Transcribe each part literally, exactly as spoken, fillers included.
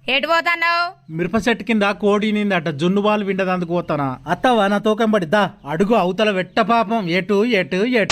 ఎటు పోతాన్నావు? మిరప చెట్టు కింద కోడి నిందట జున్ను బాలు విండదందుకు పోతానా. అత్తవా నా తోకం పడిద్దా అడుగు అవతల వెట్ట పాపం. ఎటు ఎటు ఎటు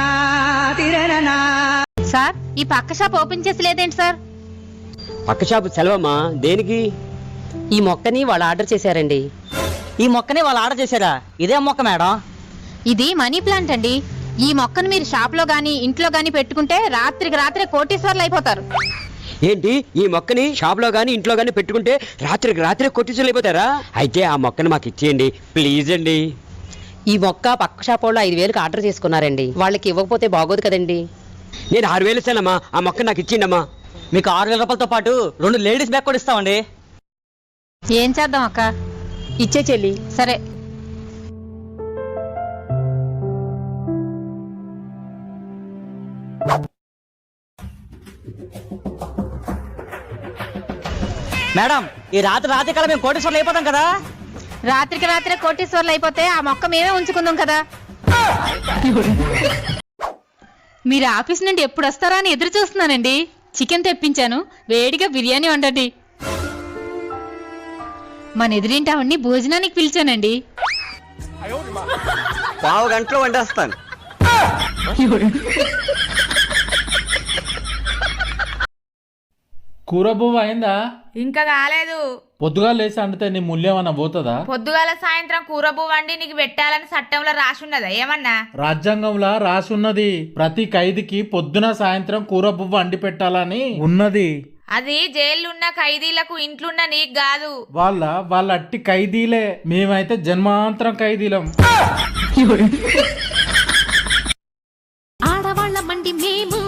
సార్ ఈ పక్క షాప్ ఓపెన్ చేసి లేదేంటి సార్? పక్క షాపు సెలవమ్మా. దేనికి? ఈ మొక్కని వాళ్ళు ఆర్డర్ చేశారండి. ఈ మొక్కని వాళ్ళు ఆర్డర్ చేశారా? ఇదే మొక్క మేడం. ఇది మనీ ప్లాంట్ అండి. ఈ మొక్కను మీరు షాప్ లో గానీ ఇంట్లో గానీ పెట్టుకుంటే రాత్రికి రాత్రే కోటీశ్వర్లు అయిపోతారు. ఏంటి? ఈ మొక్కని షాప్ లో గానీ ఇంట్లో గానీ పెట్టుకుంటే రాత్రికి రాత్రి కొట్టించులు అయిపోతారా? అయితే ఆ మొక్కని మాకు ఇచ్చేయండి ప్లీజ్ అండి. ఈ మొక్క పక్క షాప్ వాళ్ళు ఐదు వేలకు ఆర్డర్ చేసుకున్నారండి. వాళ్ళకి ఇవ్వకపోతే బాగోదు కదండి. నేను ఆరు వేలు ఇస్తానమ్మా. ఆ మొక్క నాకు ఇచ్చిండమ్మా. మీకు ఆరు వేల రూపాయలతో పాటు రెండు లేడీస్ బ్యాగ్ కూడా ఇస్తామండి. ఏం చేద్దాం అక్క? ఇచ్చే చెల్లి. సరే. మేడం ఈ రాత్రి రాత్రి కల్లా మేము కోటేశ్వర్లు అయిపోతాం కదా. రాత్రికి రాత్రే కోటీశ్వర్లు అయిపోతే ఆ మొక్క మేమే ఉంచుకుందాం కదా. మీరు ఆఫీస్ నుండి ఎప్పుడు వస్తారా అని ఎదురు చూస్తున్నానండి. చికెన్ తెప్పించాను, వేడిగా బిర్యానీ వండండి. మన ఎదురింటి ఆవిడ్ని భోజనానికి పిలిచానండి. పావు గంటలో వండేస్తాను. కూర బువ్వ అయిందా? ఇంకా కాలేదు. పొద్దుగా లేసి అండితే నీ మూల్యమన్నా పోతుందా? పొద్దుగాల సాయంత్రం కూర బువ్వ వండి నీకు పెట్టాలని చట్టంలో రాసున్నదా ఏమన్నా? రాజ్యాంగంలో రాసున్నది ప్రతి ఖైదీకి పొద్దున సాయంత్రం కూర బువ్వ అండి పెట్టాలని ఉన్నది. అది జైలున్న ఖైదీలకు ఇంట్లున్న నీకు కాదు. వాళ్ళ వాళ్ళ అట్టి ఖైదీలే, మేమైతే జన్మాంతరం ఖైదీలం. ఆడవాళ్ళ మండి మేము.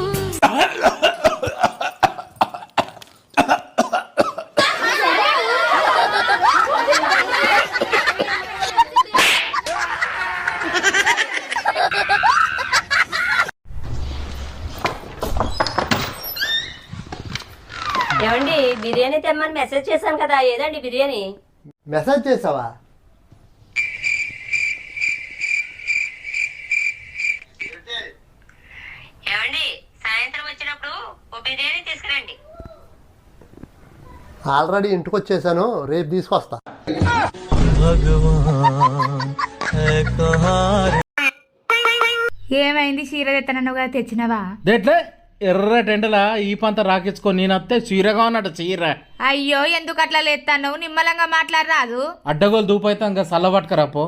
ఏమండి బిర్యానీ తెమ్మని మెసేజ్ చేశాను కదా, ఏదండి బిర్యానీ? మెసేజ్ చేసావా? ఏమండి సాయంత్రం వచ్చినప్పుడు ఓ బిర్యానీ తీసుకురండి. ఆల్రెడీ ఇంటికి వచ్చేసాను, రేపు తీసుకొస్తా. ఏమైంది? చీర తెత్తనగా తెచ్చినవా? దేట్లే ఎర్ర టెండలా ఈ పంత రాకించుకో. నేనత్తే చీరగా ఉన్నట్టు చీర. అయ్యో ఎందుకు అట్లా లేస్తాను? నిమ్మలంగా మాట్లాడరాదు. అడ్డగోలు దూపైతే ఇంకా సల్ల పట్టుకరాపో.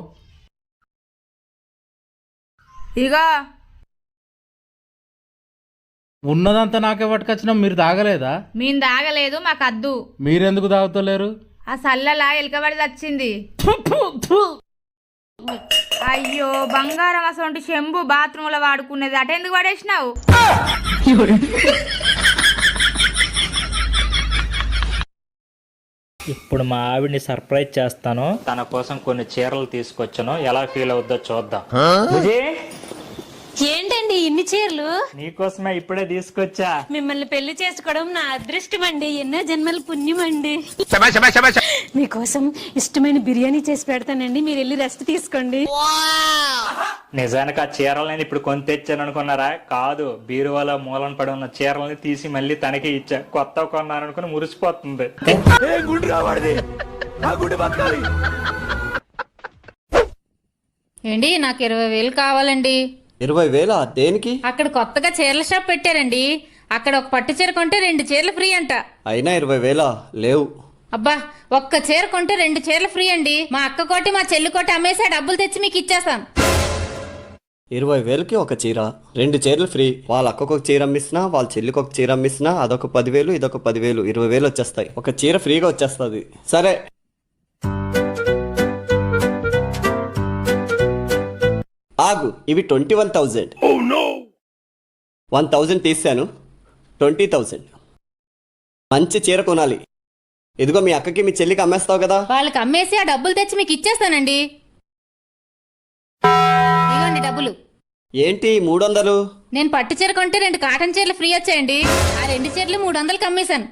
ఇగో ఉన్నదంతా నాకే పట్టుకొచ్చినా మీరు తాగలేదా? మేము తాగలేదు, మాకు అద్దు. మీరెందుకు తాగుతలేరు? ఆ సల్లలా ఎలకబడి వచ్చింది. అయ్యో బంగారం అసలు చెంబు బాత్రూమ్ లో వాడుకునేది అట ఎందుకు పడేసినావు? ఇప్పుడు మా ఆవిడ్ని సర్ప్రైజ్ చేస్తాను. తన కోసం కొన్ని చీరలు తీసుకొచ్చాను, ఎలా ఫీల్ అవుద్దో చూద్దాం. ఏంటండి ఇన్ని చీరలు? నీకోసమే ఇప్పుడే తీసుకొచ్చా. మిమ్మల్ని పెళ్లి చేసుకోవడం నా అదృష్టం అండి, ఎన్నో జన్మల పుణ్యం అండి. మీకోసం ఇష్టమైన బిర్యానీ చేసి పెడతానండి, మీరు వెళ్ళి రెస్ట్ తీసుకోండి. నిజానికి ఆ చీరలని ఇప్పుడు కొని తెచ్చాను అనుకున్నారా? కాదు, బీరువాలో మూలన పడి ఉన్న చీరలని తీసి మళ్ళీ తనకి ఇచ్చా. కొత్త కొన్నాను అనుకుని మురిసిపోతుంది. ఏంటి నాకు ఇరవై వేలు కావాలండి. ఇరవై వేల దేనికి? అక్కడ కొత్తగా చీరల షాప్ పెట్టారండి. అక్కడ ఒక పట్టు చీర కొంటే రెండు చీరలు ఫ్రీ అంట. అయినా ఇరవై వేల లేవు. అబ్బా, ఒక్క చీర కొంటే రెండు చీరలు ఫ్రీ అండి. మా అక్క కోటి మా చెల్లి కోటి అమ్మేసి డబ్బులు తెచ్చి మీకు ఇచ్చేస్తాను. ఇరవై వేలకి ఒక చీర, రెండు చీరలు ఫ్రీ. వాళ్ళ అక్కకు ఒక చీర అమ్మిస్తున్నా, వాళ్ళ చెల్లికి ఒక చీర అమ్మిస్తున్నా, అదొక పదివేలు ఇదొక పదివేలు, ఇరవై వేలు వచ్చేస్తాయి. ఒక చీర ఫ్రీగా వచ్చేస్తుంది. సరే ఆగు, ఇవి twenty one thousand. One thousand తీసాను, ట్వంటీ థౌజండ్. మంచి చీర కొనాలి. ఇదిగో మీ అక్కకి మీ చెల్లికి అమ్మేస్తావు కదా. వాళ్ళకి అమ్మేసి ఆ డబ్బులు తెచ్చి మీకు ఇచ్చేస్తానండి. ఇవ్వండి డబ్బులు. ఏంటి మూడు వందలు? నేను పట్టు చీర కొంటే రెండు కాటన్ చీరలు ఫ్రీ వచ్చాయండి. ఆ రెండు చీరలు మూడు వందలకి అమ్మేశాను.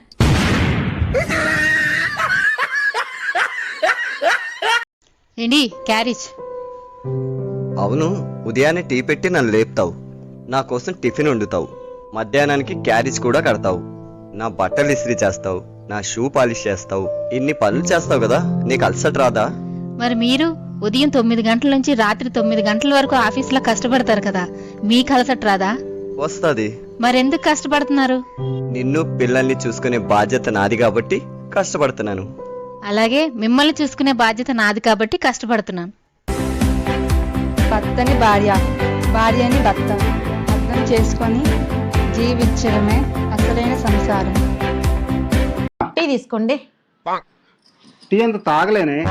ఏంటి క్యారేజ్? అవును, ఉదయాన్నే టీ పెట్టి నన్ను లేపుతావు, నా కోసం టిఫిన్ వండుతావు, మధ్యాహ్నానికి క్యారేజ్ కూడా కడతావు, నా బట్టలు ఇస్త్రీ చేస్తావు, నా షూ పాలిష్ చేస్తావు, ఇన్ని పనులు చేస్తావు కదా, నీకు అలసట రాదా? మరి మీరు ఉదయం తొమ్మిది గంటల నుంచి రాత్రి తొమ్మిది గంటల వరకు ఆఫీసులో కష్టపడతారు కదా, మీకు అలసట రాదా? వస్తుంది. మరెందుకు కష్టపడుతున్నారు? నిన్ను పిల్లల్ని చూసుకునే బాధ్యత నాది కాబట్టి కష్టపడుతున్నాను. అలాగే మిమ్మల్ని చూసుకునే బాధ్యత నాది కాబట్టి కష్టపడుతున్నాను. భర్తని భార్య, భార్యని భర్త అర్థం చేసుకొని జీవించడమే అసలైన సంసారం. టీ తీసుకోండి. టీ అంత తాగలేనే.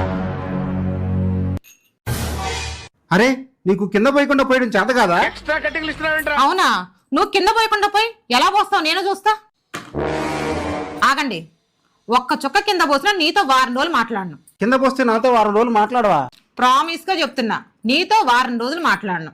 అరే నీకు కింద పోయకుండా పోయడం చేత కాదా? అవునా, నువ్వు కింద పోయకుండా పోయి ఎలా పోస్తావు నేను చూస్తా. ఆగండి, ఒక్క చుక్క కింద పోసినా నీతో వారం రోజులు మాట్లాడను. కింద పోస్తే నాతో వారం రోజులు మాట్లాడవా? ప్రామిస్ గా చెప్తున్నా, నీతో వారం రోజులు మాట్లాడను.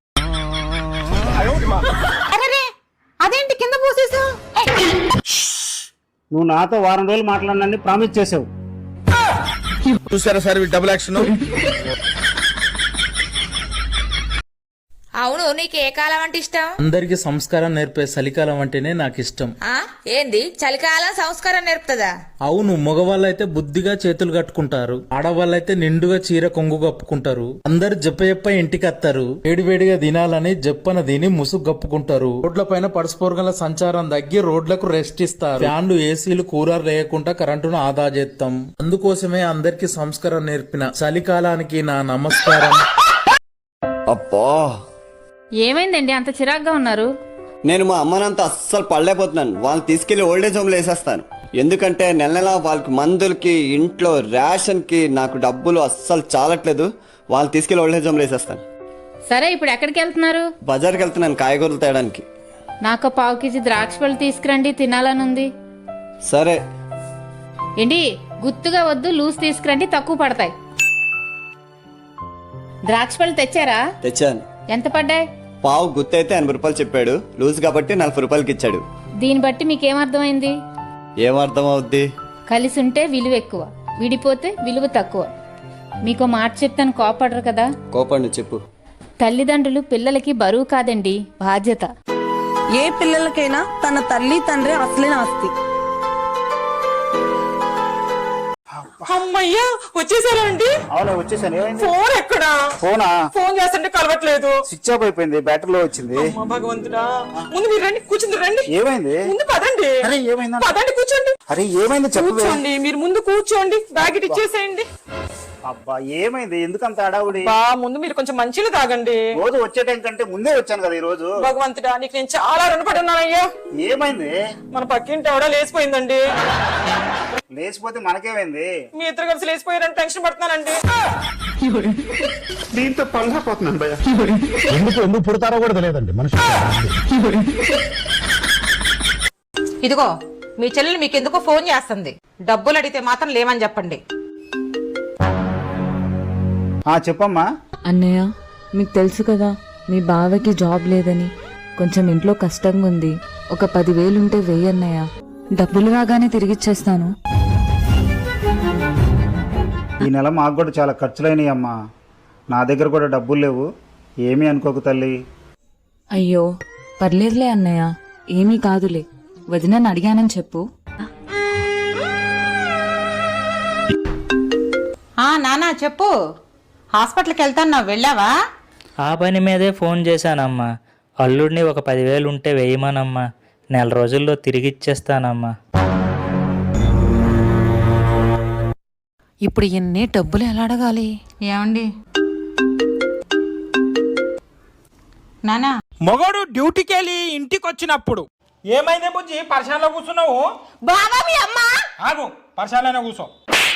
అరెరే, అదేంటి కింద పోసేసావు? నువ్వు నాతో వారం రోజులు మాట్లాడనని ప్రామిస్ చేసావు. చూసారా సార్ డబుల్ యాక్షన్. అవును, నీకు ఏ కాలం అంటే ఇష్టం? అందరికి సంస్కారం నేర్పే చలికాలం అంటేనే నాకు ఇష్టం. ఆ ఏంది చలికాలం సంస్కారం నేర్పుతుందా? అవును, మగవాళ్ళైతే బుద్ధిగా చేతులు కట్టుకుంటారు, ఆడవాళ్ళైతే నిండుగా చీర కొంగు కప్పుకుంటారు. అందరు జప్ప జప్ప ఇంటికి వస్తారు, వేడివేడిగా తినాలని జప్పన తిని ముసుగు కప్పుకుంటారు. రోడ్ల పైన పరస్పరగల సంచారం తగ్గి రోడ్లకు రెస్ట్ ఇస్తారు. ఫ్యాన్లు, ఏసీలు, కూలర్ లేకుండా కరెంటును ఆదా చేస్తాం. అందుకోసమే అందరికి సంస్కారం నేర్పిన చలికాలానికి నా నమస్కారం. అబ్బా, ఏమైందండి అంత చిరాగ్గా ఉన్నారు? నేను మా అమ్మనంతా అస్సలు పడలేకపోతున్నాను. వాళ్ళని తీసుకెళ్లి ఓల్డేజ్ హోమ్లో వేసేస్తాను. ఎందుకంటే నెల నెల వాళ్ళకి మందులకి, ఇంట్లో రేషన్కి నాకు డబ్బులు అస్సలు చాలట్లేదు. వాళ్ళని తీసుకెళ్లి ఓల్డేజ్ హోమ్లో వేసేస్తాను. సరే, ఇప్పుడు ఎక్కడికి వెళ్తున్నారు? బజార్కి వెళ్తున్నాను కాయగూరలు తేయడానికి. నాకు పావు కేజీ ద్రాక్ష పళ్ళు తీసుకురండి, తినాలనుంది. సరే. ఏంటి గుత్తుగా వద్దు, లూజ్ తీసుకురండి, తక్కువ పడతాయి. ద్రాక్ష పళ్ళు తెచ్చారా? తెచ్చాను. ఎంత పడ్డాయి? పావు గుత్తి అయితే ఎనభై రూపాయలు చెప్పాడు, లూజ్ కాబట్టి నలభై రూపాయలకి ఇచ్చాడు. దీన్ని బట్టి మీకేమర్థమైంది? ఏమర్థం అవుద్ది? కలిసి ఉంటే విలువ ఎక్కువ, విడిపోతే విలువ తక్కువ. మీకు మాట చెప్తాను, కోపడరు కదా? కోపండి, చెప్పు. తల్లిదండ్రులు పిల్లలకి బరువు కాదండి, బాధ్యత. ఏ పిల్లలకైనా తన తల్లి తండ్రి అసలైన ఆస్తి. అమ్మయ్యా, వచ్చేసారా అండి? అవును, వచ్చేసాను. ఫోన్ ఎక్కడా? ఫోనా? ఫోన్ చేస్తుంటే కలవట్లేదు. స్విచ్ ఆఫ్ అయిపోయింది, బ్యాటరీలో వచ్చింది. అమ్మ భగవంతుడా, ముందు మీరు రండి, కూర్చుంది రండి. ఏమైంది? ముందు పదండి. అరే ఏమైంది? పదండి, కూర్చోండి. అరే ఏమైంది చెప్పు. కూర్చోండి, మీరు ముందు కూర్చోండి, బ్యాగ్ ఇటు ఇచ్చేసేయండి. అబ్బా ఏమైంది? ఎందుకంత అడావుడి? బా, ముందు మీరు కొంచెం మంచిగా తాగండి. రోజు వచ్చే టైం కంటే ముందే వచ్చాను కదా ఈ రోజు. భగవంతుడా, నీకు నేను చాలా రుణపడి ఉన్నానయ్యా. ఏమైంది? మన పక్కింటి ఎవడో లేచిపోయిందండి. లేచిపోతే మనకేమైంది? మీ ఇద్దరు కలిసి లేచిపోయారని టెన్షన్ పడుతున్నానండి. దీంతో పళ్ళపోతున్నాను భయ. ఎందుకు ఎందుకు పుడతారో కూడా తెలియదండి మనిషి. ఇదిగో మీ చెల్లెలు మీకు ఎందుకో ఫోన్ చేస్తుంది. డబ్బులు అడిగితే మాత్రం లేమని చెప్పండి. చెప్పమ్మా. అన్నయ్య, మీకు తెలుసు కదా మీ బావకి జాబ్ లేదని, కొంచెం ఇంట్లో కష్టంగా ఉంది. ఒక పదివేలుంటే వెయ్యి అన్నయ్య, డబ్బులు రాగానే తిరిగిచ్చేస్తాను. ఈ నెల మాకు కూడా చాలా ఖర్చులైనవి అమ్మా. నా దగ్గర కూడా డబ్బులు లేవు, ఏమీ అనుకోకు తల్లి. అయ్యో పర్లేదులే అన్నయ్య, ఏమీ కాదులే. వదినని అడిగానని చెప్పు. నానా చెప్పు, హాస్పిటల్కి వెళ్తాను, వెళ్ళావా? ఆ పని మీదే ఫోన్ చేశానమ్మా. అల్లుడిని ఒక పదివేలు ఉంటే వేయమనమ్మా, నెల రోజుల్లో తిరిగి ఇచ్చేస్తానమ్మా. ఇప్పుడు ఎన్ని డబ్బులు ఎలా అడగాలి? ఏమండి నానా, మగోడు డ్యూటీకి వెళ్ళి ఇంటికి వచ్చినప్పుడు ఏమైంది బుజ్జి? పరిశాలలో కూర్చున్నావు. బాబా మీ అమ్మ. ఆగు, పరిశాలనే కూర్చో.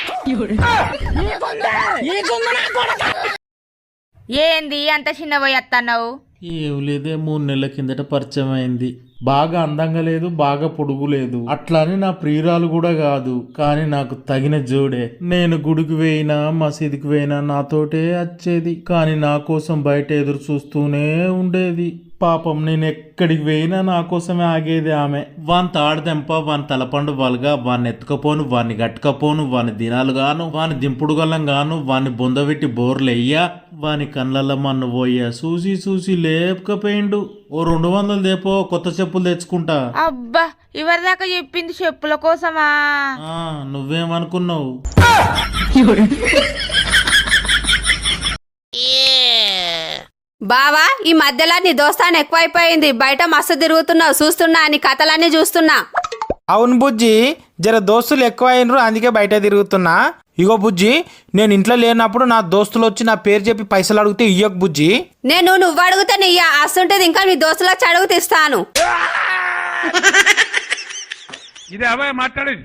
ఏంది అంత చిన్న పోయి వస్తున్నావు? ఏం లేదే, మూడు నెలల కిందట పరిచయం అయింది. బాగా అందంగా లేదు, బాగా పొడుగు లేదు, అట్లాని నా ప్రియురాలు కూడా కాదు, కానీ నాకు తగిన జోడే. నేను గుడికి పోయినా మసీదుకి పోయినా నాతోటే వచ్చేది, కానీ నా కోసం బయట ఎదురు చూస్తూనే ఉండేది. పాపం నేను ఎక్కడికి పోయినా నా కోసమే ఆగేది ఆమె. వాని తాడుదెంప, వాని తలపండు వలగా, వాన్ని ఎత్తుకపోను, వాన్ని గట్టుకపోను, వాని దినాలు గాను, వాని దింపుడు గల్లం గాను, వాని బొందబెట్టి బోర్లెయ్యా, వాని కళ్ళల్లో మన్ను పోయా. చూసి చూసి లేపకపోయిండు. ఓ రెండు వందలు దేపో, కొత్త చెప్పులు తెచ్చుకుంటా. అబ్బా ఇవరిదాకా చెప్పింది చెప్పుల కోసమా? ఆ, నువ్వేమనుకున్నావు? బావా ఈ మధ్యలో నీ దోస్తాను ఎక్కువైపోయింది, బయట మస్తు తిరుగుతున్నావు, చూస్తున్నా నీ కథలన్నీ చూస్తున్నా. అవును బుజ్జి, జర దోస్తులు ఎక్కువ అయినరు, అందుకే బయట తిరుగుతున్నా. ఇగో బుజ్జి, నేను ఇంట్లో లేనప్పుడు నా దోస్తులు వచ్చి నా పేరు చెప్పి పైసలు అడిగితే ఇయ్యకు బుజ్జి. నేను నువ్వు అడిగితే నీయ్యా, అస్తుంటది ఇంకా నీ దోస్తులకు అడుగు తీస్తాను. ఇదే అబ్బాయి మాట్లాడేది.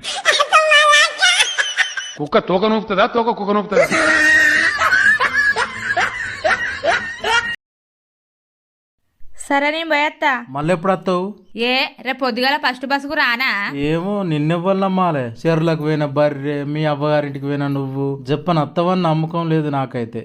కుక్క తోక నూపుతుందా, తోక కుక్క నూపుతుందా? సరే నేను పోయేత్తా. మళ్ళీ ఎప్పుడు వస్తావు? ఏ రేపు పొద్దుగాల ఫస్ట్ బస్సుకు రానా? ఏమో నిన్నెవ్వల్లమ్మాలే. చెరువులకు పోయిన బర్రె, మీ అవ్వగారింటికి పోయినా నువ్వు చెప్పని అత్తవని నమ్మకం లేదు నాకైతే.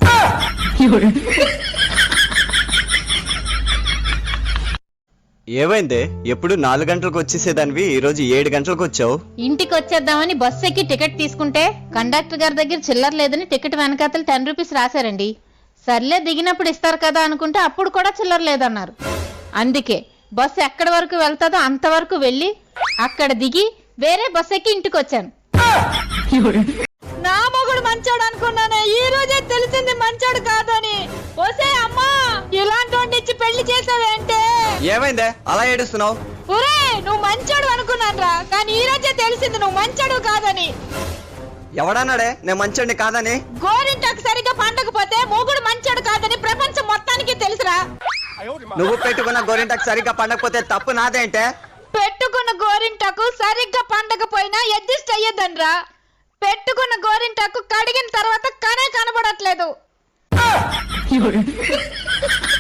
ఏమైందే? ఎప్పుడు నాలుగు గంటలకు వచ్చేసేదానివి ఈరోజు ఏడు గంటలకు వచ్చావు. ఇంటికి వచ్చేద్దామని బస్సు ఎక్కి టికెట్ తీసుకుంటే కండక్టర్ గారి దగ్గర చిల్లర లేదని టికెట్ వెనకాతలు టెన్ రూపీస్ రాశారండి. సర్లే దిగినప్పుడు ఇస్తారు కదా అనుకుంటే అప్పుడు కూడా చిల్లర లేదన్నారు. అందుకే బస్సు ఎక్కడి వరకు వెళ్తాదో అంతవరకు వెళ్ళి అక్కడ దిగి వేరే బస్సు ఎక్కి ఇంటికి వచ్చాను. నా మొగుడు మంచోడు అనుకున్నానే, ఈ రోజే తెలిసింది మంచోడు కాదని. ఓసే అమ్మా, ఇలాంటి వాడిని ఇచ్చి పెళ్లి చేసావేంటే? ఏమైందే అలా ఏడుస్తున్నావు? ఒరే నువ్వు మంచోడు అనుకున్నాను రా, కానీ ఈ రోజే తెలిసింది నువ్వు మంచోడు కాదని. ఎవడన్నాడే నేను మంచోడిని కాదని? గోరింటాకు సరిగ్గా పండకపోతే మొగుడు మంచోడు కాదని ప్రపంచం మొత్తానికి తెలుసురా. నువ్వు పెట్టుకున్న గోరింటకు సరిగ్గా పండకపోతే తప్పు నాదేంటే? పెట్టుకున్న గోరింటాకు సరిగ్గా పండకపోయినా అడ్జస్ట్ అయ్యేదనరా. పెట్టుకున్న గోరింటాకు కడిగిన తర్వాత కనే కనబడట్లేదు.